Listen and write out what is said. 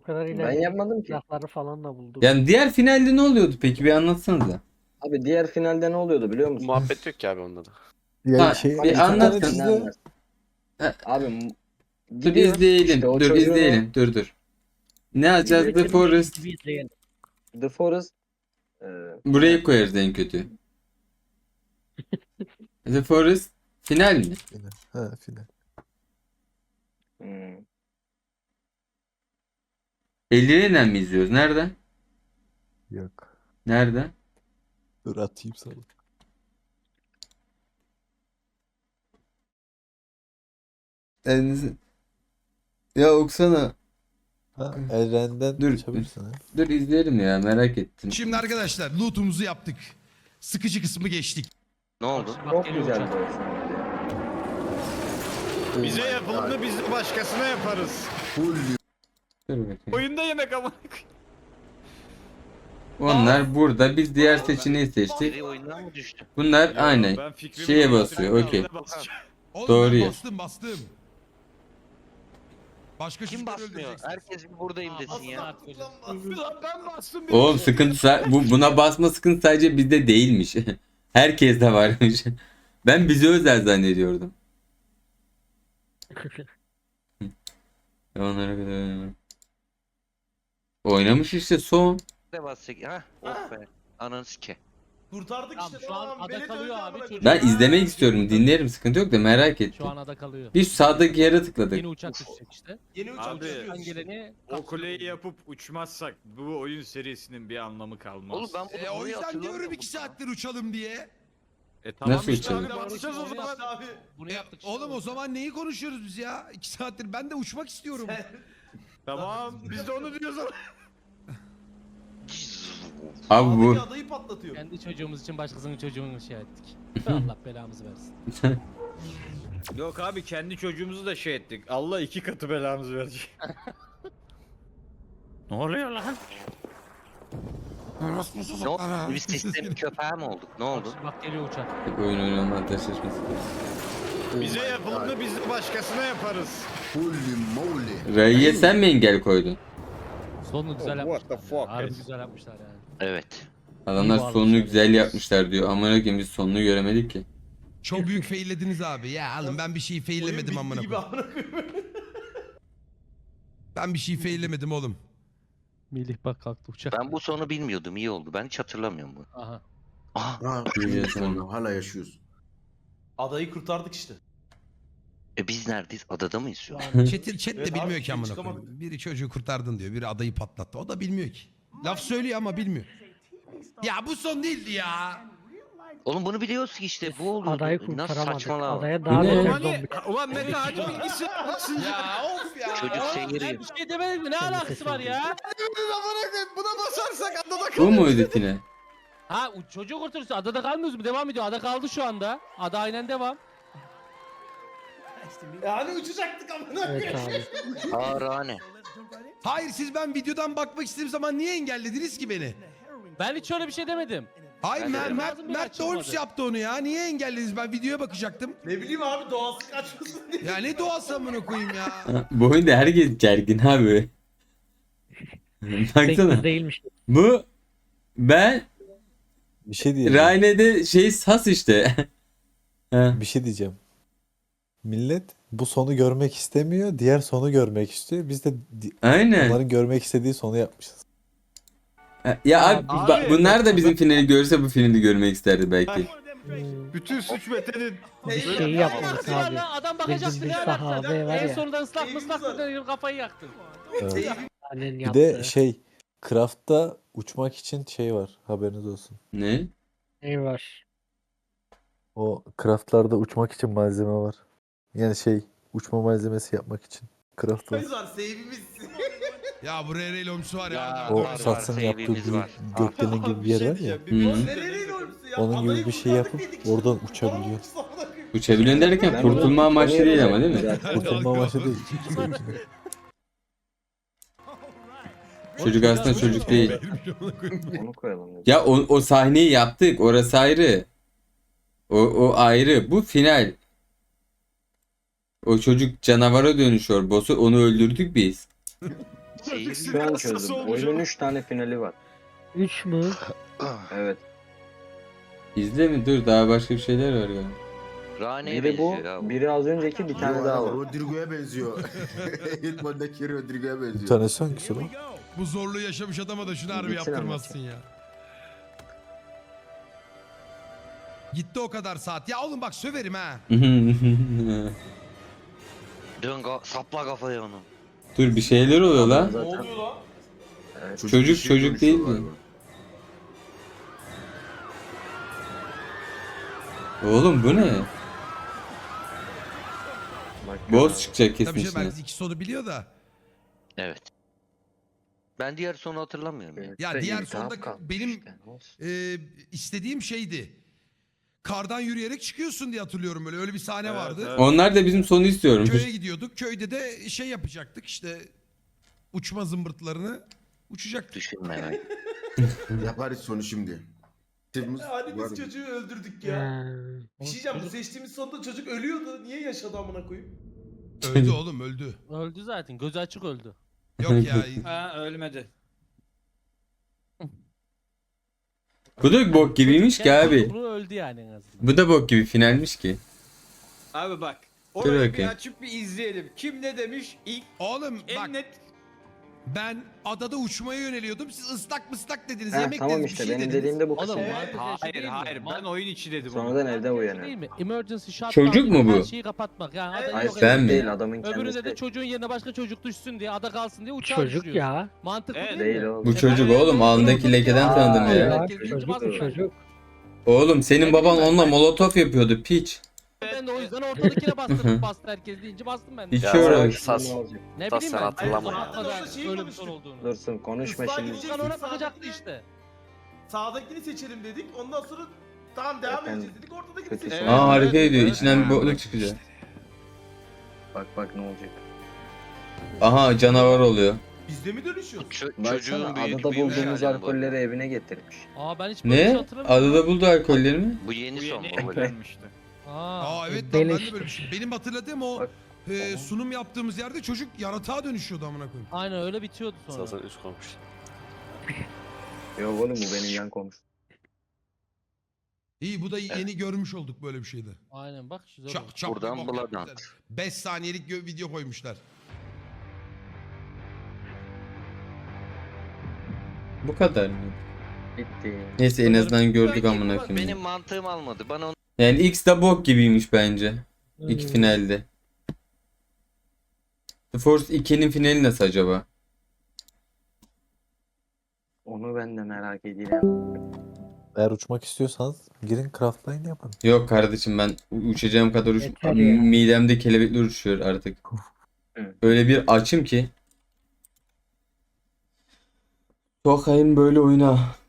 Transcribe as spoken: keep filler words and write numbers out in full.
kadar Ben ilerledim. yapmadım ki. Silahları falan da buldum. Yani diğer finalde ne oluyordu peki, bir anlatsanıza. Abi diğer finalde ne oluyordu biliyor musun? Muhabbet yok ki abi onda da. Ya Ha, şey bir iki anlatın. tane Ne çizdi. anlarsın? Ha. Abi m- Dur gidiyor izleyelim. işte o dur çocuğun izleyelim. Dur dur. Ne yapacağız? The Bitirince Forest. gibi izleyelim. o The Forest e, Burayı koyarız en kötü. The Forest final mi? Final. Ha final. hmm, Elleriyle mi izliyoruz? Nereden? Yok. Nereden? Dur atayım sana. Elinizi... Ya okusana. Ha Eren'den Dur. açabilirsin ha. Dur izleyelim ya, merak ettim. Şimdi arkadaşlar loot'umuzu yaptık. Sıkıcı kısmı geçtik. Ne oldu? Bak çok geliyor güzeldi uçak. o finalde. Bize yapılanı biz de başkasına yaparız. Dur bakayım. Oyunda yemek ama. Onlar burada, biz diğer seçeneği seçtik. Biri oyundan mı düştü? Bunlar aynen Ben fikrimi şeye değiştirdim, basıyor, okey. ben basacağım. Oğlum Doğru ben ya. bastım bastım. Başka Kim çocukları basmıyor? öldüreceksiniz. Herkes bir buradayım desin ya. Lan ben bastım. bir Oğlum şey. sıkıntı sa- bu buna basma sıkıntı sadece bizde değilmiş. Herkes de varmış. Ben bize özel zannediyordum. Onlara kadar oynamadım. Oynamış işte son. Ne basacak? Ha? Oh be. Ananı sike. Kurtardık Tamam, işte. şu an tamam, ada beni kalıyor dövdü abi, amına çocuk. koyayım. Ben izlemek istiyorum, dinlerim, sıkıntı yok da merak Şu ettim. an ada kalıyor. Biz sağdaki yere tıkladık. Yeni uçak düşecek işte. Yeni uçak Abi, düşüyor Sen işte. geleni O kuleyi yapıp uçmazsak bu oyun serisinin bir anlamı kalmaz. Oğlum ben bunu E, o buraya yüzden hatırlamıyorum diyorum iki ya. saattir uçalım diye. E tamam Nasıl işte uçalım? abi basacağız o zaman. Abi. Bunu E, yaptık işte. oğlum o zaman neyi konuşuyoruz biz ya? iki saattir ben de uçmak istiyorum. Tamam biz de onu diyoruz ama. Abi bu Sağdaki adayı patlatıyor. Kendi çocuğumuz için başkasının çocuğunu şey ettik. Allah belamızı versin. Yok abi kendi çocuğumuzu da şey ettik. Allah iki katı belamızı verecek. Ne oluyor lan? Ne oldu? Biz sistem köpeği mi olduk? Ne oldu? Bak geliyor uçak. oyun oynanma ateşleşmesi. Bize yapılanı biz de başkasına yaparız. Ray'ye sen mi engel koydun? Sonunu güzel Oh, what the yapmışlar. ya. fuck Harbi is- güzel yapmışlar yani. Evet. Adamlar İyi sonunu bağlamışlar güzel ya. yapmışlar diyor. Amına koyayım biz sonunu göremedik ki. Çok büyük faillediniz abi. Ya oğlum ben bir şey Oyun faillemedim bitti amına gibi koyayım. amına koyayım. Ben bir şey faillemedim oğlum. Melih bak kalktı uçak. Ben bu sonu bilmiyordum. İyi oldu. Ben hiç hatırlamıyorum bunu. Aha. Aha. Ha, Biliyorsun. sonra hala yaşıyoruz. Adayı kurtardık işte. E biz neredeyiz? Adada mıyız şu an? Chat, chat de Evet abi, bilmiyor ki amına çıkamadık. koyayım. Biri çocuğu kurtardın diyor. Biri adayı patlattı. O da bilmiyor ki. Laf söylüyor ama bilmiyor. Ya bu son değildi ya. Oğlum bunu biliyoruz ki işte. Bu oldu. Adayı Nasıl kurtaramadık. saçmalama. Adaya daha Ne? beter Hani zombi. ulan Mete hadi bilgisi yapmasın. Ya of ya. Çocuk Ben seyiriyor. bir şey demedim mi? Ne alakası var ya? Buna basarsak adada Bu mu ödetine? Ha o çocuğu kurtarırsa adada kalmıyoruz mu? Devam ediyor. Ada kaldı şu anda. Ada aynen devam. Ya hani uçacaktık amına Evet koyayım. abi. Ağrane. Hayır siz ben videodan bakmak istediğim zaman niye engellediniz ki beni? Ben hiç öyle bir şey demedim. Hayır Ben de Mert, dedim. Mert, Ağzım bile Mert açılmadı. Doğrusu yaptı onu ya. Niye engellediniz? Ben videoya bakacaktım. Ne bileyim abi doğası kaçmasın diye. Ya ne doğası amına koyayım ya. Ha, bu oyunda herkes gergin abi. Tek Baksana. biz değilmiş. Bu ben Bir şey diyeceğim. Rayne'de şey sas işte. Ha. Bir şey diyeceğim. Millet bu sonu görmek istemiyor. Diğer sonu görmek istiyor. Biz de di- Aynen. onların görmek istediği sonu yapmışız. Ha, Ya abi, Abi, ba- bunlar da bizim finali görse bu finali görmek isterdi belki. Hmm, Bütün suç Mete'nin. Bir Ne şeyi yapmadık alakası var abi. lan? Adam Bizim bakacaktı bir ne alakası sahabe var En ya. sonunda ıslak Keyfimiz mıslak var. mıslak kafayı yaktın. Evet. Annen Bir yaptı. de şey Craft'ta uçmak için şey var. Haberiniz olsun. Ne? Ne var? O craftlarda uçmak için malzeme var. Yani şey uçma malzemesi yapmak için. Craft var. Biz var save'imiz. Ya bu R R lomsu var ya. Ya, O var, var, Sats'ın yaptığı save'imiz büyük var. gökdelen gibi bir yer var ya. Hı. Nereye olmuşsun ya? Onun gibi Adayı bir şey yapıp kurtardık dedik oradan işte. uçabiliyor. Olmuşsun amına koyayım. Uçabilen derken Ben kurtulma bunu amaçlı değil ama değil mi? Zaten Kurtulma amaçlı değil. Çocuk aslında çocuk değil. Onu koyalım. dedim. Ya o, o sahneyi yaptık. Orası ayrı. O, o ayrı. Bu final. O çocuk canavara dönüşüyor. Boss'u onu öldürdük biz. Seyir- Şu an çözdüm. Oyunun üç tane finali var. üç mü? Evet. İzle mi? Dur daha başka bir şeyler var galiba. Rane'ye Biri bu, benziyor ya. bu. biri az önceki, bir tane daha var. Rodrigo'ya benziyor. İlk bölümdeki Rodrigo'ya Bir benziyor. tanesi hangisi lan? Bu zorluğu yaşamış adama da şunu harbi Gitsin yaptırmazsın ya. Gitti o kadar saat. Ya oğlum bak söverim ha. Dön ka- sapla kafaya onu. Dur bir şeyler oluyor lan. Ne Zaten oluyor lan? evet. Çocuk- bir şey çocuk değil konuşuyor mi? galiba. Oğlum bu ne? Bak, Boss çıkacak kesin Tabii şey içine. belki iki sonu biliyor da. Evet. Ben diğer sonu hatırlamıyorum ya. Evet, Ya de diğer iltihap sonda kalmış benim- işte, ne olsun. Ee, istediğim şeydi. Kardan yürüyerek çıkıyorsun diye hatırlıyorum böyle. Öyle bir sahne Evet, vardı. evet. Onlar da bizim sonu istiyormuş. Köye gidiyorduk. Köyde de şey yapacaktık işte. Uçma zımbırtlarını uçacaktık. Düşünme ya. Yaparız sonu şimdi. Temmuz Ya Hani var biz mı? çocuğu öldürdük ya. Ha. Bir şey diyeceğim, bu seçtiğimiz sonunda çocuk ölüyordu. Niye yaşadı amına koyayım? Öldü oğlum öldü. Öldü zaten. Gözü açık öldü. Yok ya. Ha ölmedi. Bu da bok gibiymiş ki abi. Bu öldü yani en azından. Bu da bok gibi finalmiş ki. Abi bak. Dur Orayı bir bakayım. açıp bir izleyelim. Kim ne demiş? İlk Oğlum en bak net. ben adada uçmaya yöneliyordum. Siz ıslak mıslak dediniz. Ha, yemek tamam dediniz. işte bir şey benim dediniz. dediğim de bu Oğlum kısım. mantık şey Hayır değil mi? hayır ben Man- oyun içi dedim onu. Sonradan evde mantık uyanıyor. Değil mi? Emergency shutdown Çocuk mu gibi bu? Her şeyi kapatmak. Yani Evet. adayı Hayır yok Ben sen mi? değil, adamın Öbüründe kendisi. de çocuğun yerine başka çocuk düşsün diye, ada kalsın diye uçağı Çocuk düşürüyorsun. ya. Mantıklı Evet. değil, Değil mi? oğlum. Bu E çocuk ben- oğlum alnındaki lekeden Aa, tanıdım ya. ya. Ya, Herkes çocuk basıyor. bu çocuk. Oğlum senin Ne baban bileyim ben. onunla molotof yapıyordu piç. Ben de o yüzden ortadakine bastırdım, bastı herkes deyince bastım ben de. Hiç Ya, uğraş. sas- ne olacak? Ne Tas bileyim sen ben. hatırlama ya. Bakmadan Orada şeyi öyle bir konuştuk. son olduğunu. Dursun konuşma Islak şimdi. gidecek. Furkan ona bakacaktı işte. Sağdakini seçelim dedik. Ondan sonra tamam devam Efendim, edeceğiz dedik. Ortadakini kötü seçelim. Evet, Aa harika evet, ediyor. evet. İçinden bir Ha, bokluk bak çıkacak. Bak bak ne olacak. Aha canavar oluyor. Biz de mi dönüşüyoruz? Ço- Baksana çocuğun büyük adada büyümüş bulduğumuz hali bu. alkolleri evine getirmiş. Aa ben hiç böyle bir şey Ne? hatırlamıyorum. Adada buldu alkolleri mi? Bu yeni Bu son yeni babacığım. eklenmişti. Aa. Aa evet lan ben de Beleştir. böyle bir şey. Benim hatırladığım o Bak. e, sunum yaptığımız yerde çocuk yaratığa dönüşüyordu amına koyayım. Aynen öyle bitiyordu sonra. Zaten üç koymuş. Yok oğlum bu benim yan komşum. İyi bu da yeni görmüş olduk böyle bir şeyde. Aynen bak güzel oldu. Çak çak. Buradan bir bok Blood yapmışlar. beş saniyelik gö- video koymuşlar. Bu kadar mı? Bitti. Neyse en azından gördük Belki amına bak, koyayım. Benim mantığım almadı. Bana onu Yani X da bok gibiymiş bence. İki Hmm. finalde. The Force iki'nin finali nasıl acaba? Onu ben de merak ediyorum. Eğer uçmak istiyorsanız girin craftline yapın. Yok kardeşim ben u- uçacağım kadar uç... Yeter ya. midemde kelebekler uçuyor artık. Hı. Öyle bir açım ki. Sokayım böyle oyuna.